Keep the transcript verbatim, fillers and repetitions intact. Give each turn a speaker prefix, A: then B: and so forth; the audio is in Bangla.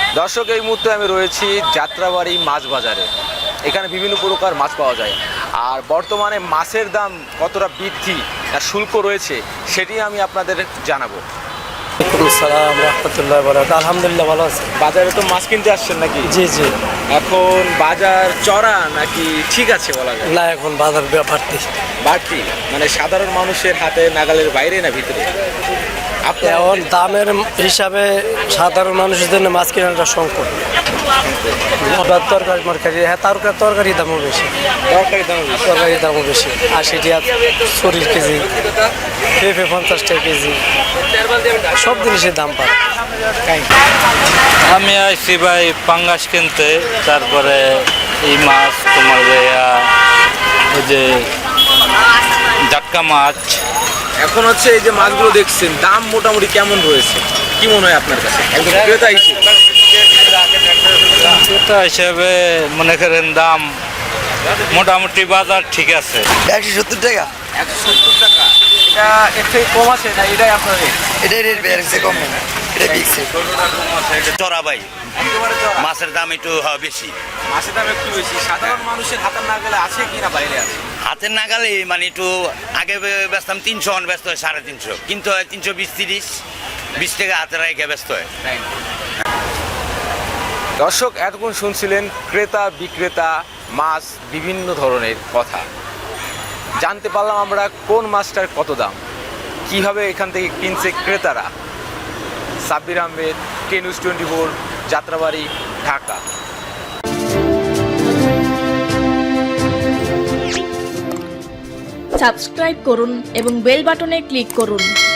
A: দর্শক, এই মুহূর্তে আমি রয়েছি যাত্রাবাড়ি মাছ বাজারে। এখানে বিভিন্ন প্রকার মাছ পাওয়া যায়, আর বর্তমানে মাছের দাম কতটা বৃদ্ধি আর শুল্ক রয়েছে সেটি আমি আপনাদের জানাবো।
B: সালাম রহমতুল্লাহ বরাকাতুহু। আলহামদুলিল্লাহ ভালো আছে।
A: বাজারে তো মাছ কিনতে আসছেন নাকি?
B: জি জি।
A: এখন বাজার চড়া নাকি ঠিক আছে বলা যায়?
B: না, এখন বাজার বাড়তি
A: বাড়তি মানে সাধারণ মানুষের হাতে নাগালের বাইরে না ভিতরে? আপনার
B: এখন দামের হিসাবে সাধারণ মানুষের জন্য মাছ কেনাটা সংকট। তরকারি মরকারি, হ্যাঁ তরকারি তরকারির দামও বেশি।
A: তরকারি দাম বেশি?
B: তরকারির দামও বেশি। আশি টাকা চল্লিশ কেজি, পেঁপে পঞ্চাশ টাকা কেজি, সব জিনিসের দাম পায়।
C: আমি আসছি ভাই পাঙ্গাস কিনতে, তারপরে এই মাছ তোমার ওই যে জাটকা মাছ।
A: এখন হচ্ছে এই যে মাছগুলো দেখছেন, দাম মোটামুটি কেমন রয়েছে কি মনে হয় আপনার কাছে একজন ক্রেতা হিসেবে?
C: ক্রেতা হিসেবে মনে করেন দাম মোটামুটি বাজার ঠিক আছে।
D: একশো সত্তর টাকা।
A: একশো সত্তর টাকা? এটা এর থেকে কম আছে না এটাই আপনার রেট?
D: এটাই রেট বেড়েছে, কম না, এটা ফিক্সড।
E: চড়া ভাই,
A: একেবারে চড়া?
E: মাছের দাম একটু হ্যাঁ, বেশি।
A: মাছের দাম একটু বেশি। সাধারণ মানুষের হাতের নাগালে আছে কি না বাইরে আছে?
E: হাতের নাগালে মানে একটু আগে বেচতাম তিনশো, অন ব্যস্ত হয় সাড়ে তিনশো, কিন্তু হয় তিনশো বিশ তিরিশ বিশ টাকা হাতের রেখে ব্যস্ত হয়।
A: দর্শক, এতক্ষণ শুনছিলেন ক্রেতা বিক্রেতা মাছ বিভিন্ন ধরনের কথা। জানতে পারলাম আমরা কোন মাছটার কত দাম, কিভাবে এখান থেকে কিনছে ক্রেতারা। Sabbir Ahmed, K news twenty four, Jatrabari, Dhaka.
F: Subscribe করুন এবং বেল বাটনে ক্লিক করুন।